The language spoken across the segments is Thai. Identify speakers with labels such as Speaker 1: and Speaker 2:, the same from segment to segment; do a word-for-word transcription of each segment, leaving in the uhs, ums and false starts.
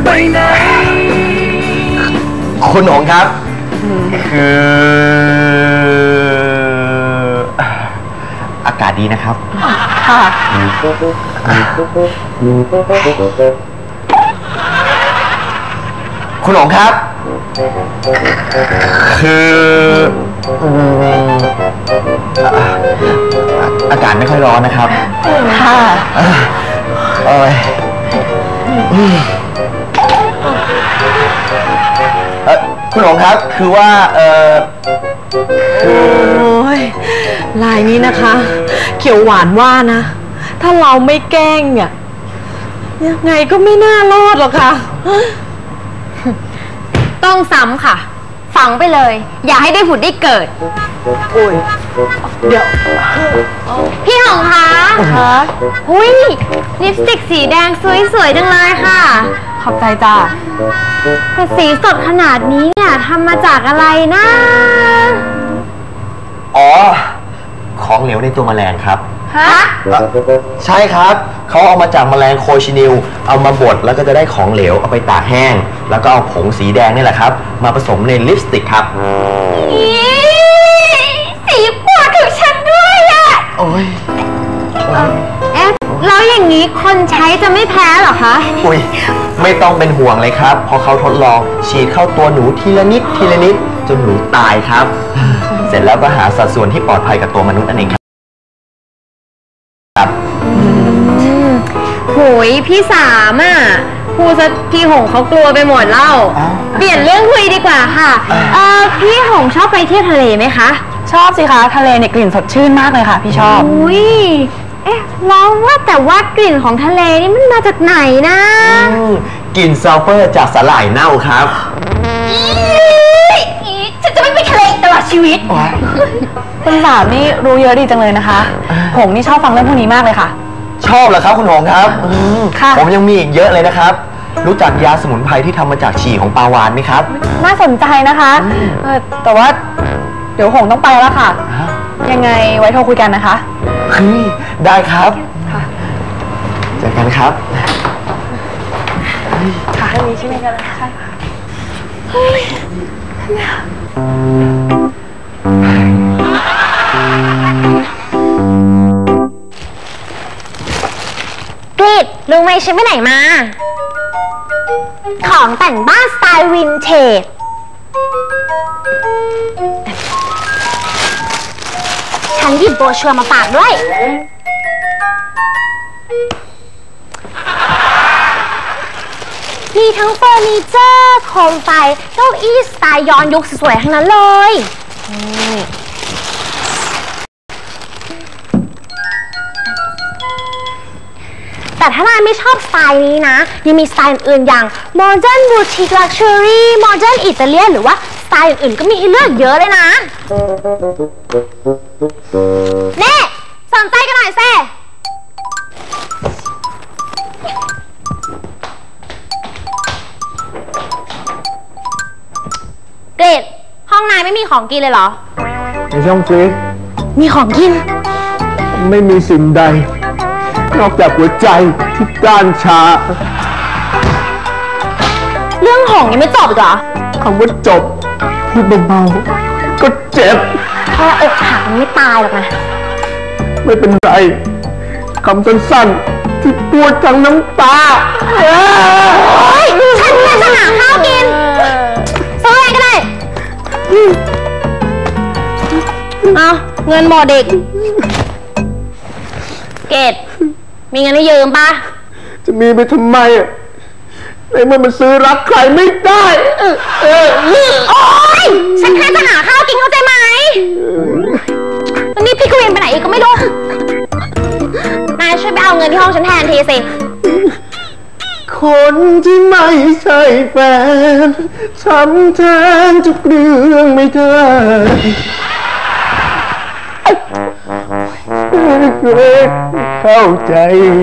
Speaker 1: ไปไหนคุณหงครับคืออากาศดีนะครับค่ะคุณหงครับคืออากาศไม่ค่อยร้อนนะครับค่ะโอ้ยคุณหงครับคือว่าเออคือโอ้ยลายนี้นะคะเขียวหวานว่านะถ้าเราไม่แกล้งเนี่ยยังไงก็ไม่น่ารอดหรอกค่ะ
Speaker 2: ต้องซ้ำค่ะฝังไปเลยอย่าให้ได้ผุดได้เกิดอุ้ยเดี๋ยวพี่หงคะคะอุ้ยลิปสติกสีแดงสวยๆจังเลยค่ะ
Speaker 3: ขอบใจจ้า
Speaker 2: แต่สีสดขนาดนี้เนี่ยทำมาจากอะไรนะ
Speaker 1: อ๋อของเหลวในตัวแมลงครับ
Speaker 2: ฮะ
Speaker 1: ใช่ครับเขาเอามาจากแมลงโคชินิลเอามาบดแล้วก็จะได้ของเหลวเอาไปตากแห้งแล้วก็เอาผงสีแดงนี่แหละครับมาผสมในลิปสติกครับ
Speaker 2: สีปวดถึงฉันด้วยอ่ะ
Speaker 1: โอ้ย
Speaker 2: เอ๊ะแล้วอย่างนี้คนใช้จะไม่แพ้หรอคะ
Speaker 1: อุ้ยไม่ต้องเป็นห่วงเลยครับพอเขาทดลองฉีดเข้าตัวหนูทีละนิดทีละนิดจนหนูตายครับเสร็จแล้วก็หาสัดส่วนที่ปลอดภัยกับตัวมนุษย์นั่นเองครับ
Speaker 2: โหยพี่สามอ่ะพูดซะพี่หงเขากลัวไปหมดเล่าเปลี่ยนเรื่องคุยดีกว่าค่ะเออพี่หงชอบไปเที่ยวทะเลไหมคะ
Speaker 3: ชอบสิคะทะเลเนี่ยกลิ่นสดชื่นมากเลยค่ะพี่ชอบ
Speaker 2: อุ้ยเอ๊ะแล้วว่าแต่ว่ากลิ่นของทะเลนี่มันมาจากไหนนะ
Speaker 1: กลิ่นซัลเฟอร์จากสาหร่ายเน่าครับ
Speaker 2: ฉันจะไม่ไปทะเลตลอดชีวิต
Speaker 3: คุณสามนี่รู้เยอะดีจังเลยนะคะหงนี่ชอบฟังเรื่องพวกนี้มากเลยค่ะ
Speaker 1: ชอบเหรอครับคุณหงครับผมยังมีอีกเยอะเลยนะครับรู้จักยาสมุนไพรที่ทำมาจากฉี่ของปลาวาฬไหมครับ
Speaker 3: น่าสนใจนะคะแต่ว่าเดี๋ยวหงต้องไปแล้วค่ะยังไงไว้โทรคุยกันนะคะ
Speaker 1: ได้ครับเจอกันครับ
Speaker 3: ค่ะเรื่องนี้ใช่ไหมกันใช่ค่ะ
Speaker 2: กรีดรู้ไหมฉันไปไหนมาของแต่งบ้านสไตล์วินเทจฉันหยิบโบชัวร์มาฝากด้วยมีทั้งเฟอร์นิเจอร์โคมไฟเก้าอี้สไตล์ย้อนยุคสวยๆทั้งนั้นเลยแต่ถ้านายไม่ชอบสไตล์นี้นะยังมีสไตล์อื่นอย่าง Modern Boutique Luxury Modern Italian หรือว่าสไตล์อื่นๆก็มีให้เลือกเยอะเลยนะเน่สนใจกันหน่อยเซ่เกรดห้องนายไม่มีของกินเลยเหรอ
Speaker 4: ในช่องฟรีซ
Speaker 2: มีของกิน
Speaker 4: ไม่มีสิ่งใดนอกจากหัวใจที่ด้านชา
Speaker 2: เรื่องของยังไม่จบอีกเหรอ
Speaker 4: คำว่าจบพูดเบาๆก็เจ็บ
Speaker 2: แค่อกหักมันไม่ตายหรอกนะ
Speaker 4: ไม่เป็นไรคำสั้นๆที่ปวดทั้งน้ำตา
Speaker 2: โอ๊ยฉันเนี่ยจะหาข้าวกินซื้ออะไรก็ได้เอาเงินหมดเด็กเกดมีเงินให้ยืมปะ
Speaker 4: จะมีไปทำไมอ่ะในเมื่อมันซื้อรักใครไม่ได้เออเออ
Speaker 2: โอ๊ยฉันแค่จะหาข้าวกินเข้าใจไหมแล้วนี่พี่กวินไปไหนอีกก็ไม่รู้นายช่วยไปเอาเงินที่ห้องฉันแทนทีสิ
Speaker 4: คนที่ไม่ใช่แฟนทำแทนทุกเรื่องไม่ได้เข้าใจ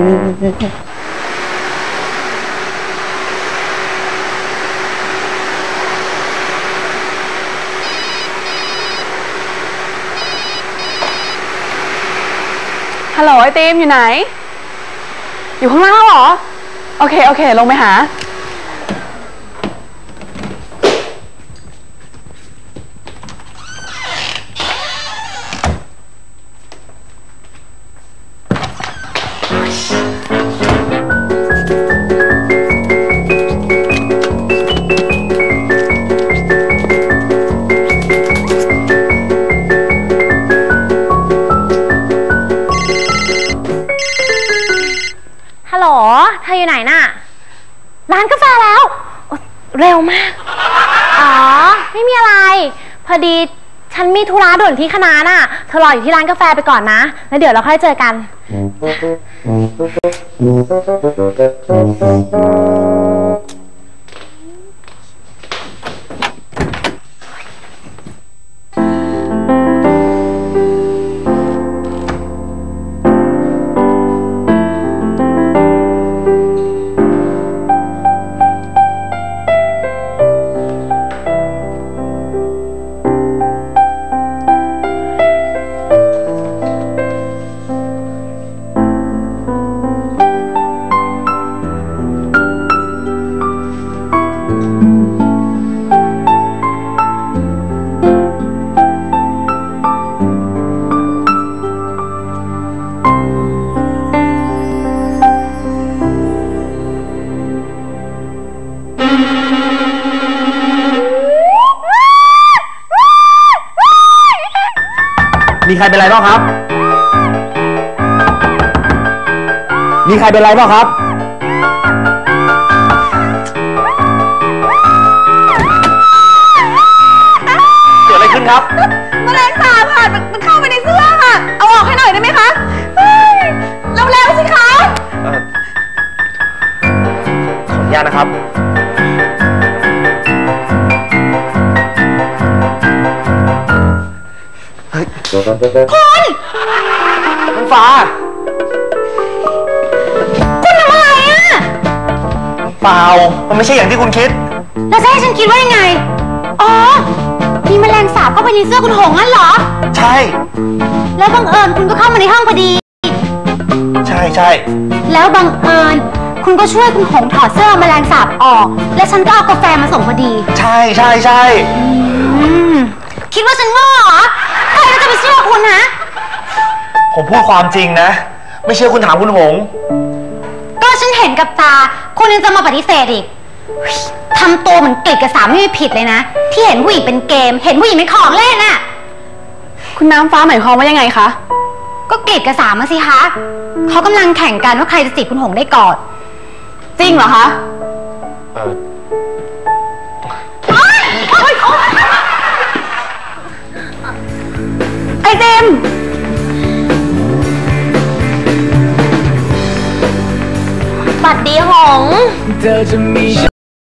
Speaker 3: ฮัลโหลไอติมอยู่ไหนอยู่ข้างล่างเหรอโอเคโอเคลงไปหา
Speaker 2: ร้านกาแฟแล้วโอ๊ยเร็วมาก อ๋อ ไม่มีอะไร พอดีฉันมีธุระด่วนที่คณะน่ะ เธอรออยู่ที่ร้านกาแฟไปก่อนนะ แล้วเดี๋ยวเราค่อยเจอกัน
Speaker 4: มีใครเป็นไรบ้างครับ มีใครเป็นไรบ้างครับ เกิดอะไรขึ้นครับ
Speaker 3: แมลงสาบค่ะมันมันเข้าไปในเสื้อค่ะ เอาออกให้หน่อยได้ไหมคะเฮ้ยเร็วๆสิคะ
Speaker 4: เอ่อขออนุญาตนะครับ เฮ้ย คุณคุณฟ้า
Speaker 2: คุณทำอะไรอ่ะ
Speaker 4: เปล่า มันไม่ใช่อย่างที่คุณคิด
Speaker 2: แล้วจะให้ฉันคิดว่ายังไง อ๋อ มีแมลงสาบเข้าไปในเสื้อคุณหงงั้นเหรอ
Speaker 4: ใช่
Speaker 2: แล้วบังเอิญคุณก็เข้ามาในห้องพอดี
Speaker 4: ใช่ใช่
Speaker 2: แล้วบังเอิญคุณก็ช่วยคุณหงถอดเสื้อแมลงสาบออก และฉันก็เอากาแฟมาส่งพอดี
Speaker 4: ใช่ใช่ใช่
Speaker 2: อืม คิดว่าฉันโง่เหรอ ใครก็จะไปเชื่อคุณนะ
Speaker 4: ผมพูดความจริงนะ ไม่เชื่อคุณถามคุณหง
Speaker 2: ก็ฉันเห็นกับตา คุณยังจะมาปฏิเสธอีกเฮ้ยทำตัวเหมือนกลิดกับสามไม่มีผิดเลยนะ ที่เห็นผู้หญิงเป็นเกม เห็นผู้หญิงเป็นของเล่นน่ะ
Speaker 3: คุณน้ำฟ้าหมายความว่ายังไงคะ
Speaker 2: ก็กลิดกับสามมาสิคะเขากำลังแข่งกันว่าใครจะจีบคุณหงได้ก่อน
Speaker 3: จริงเหรอคะ
Speaker 4: เออ
Speaker 3: ไอติม
Speaker 2: บัดดีหง
Speaker 5: เธอจะมี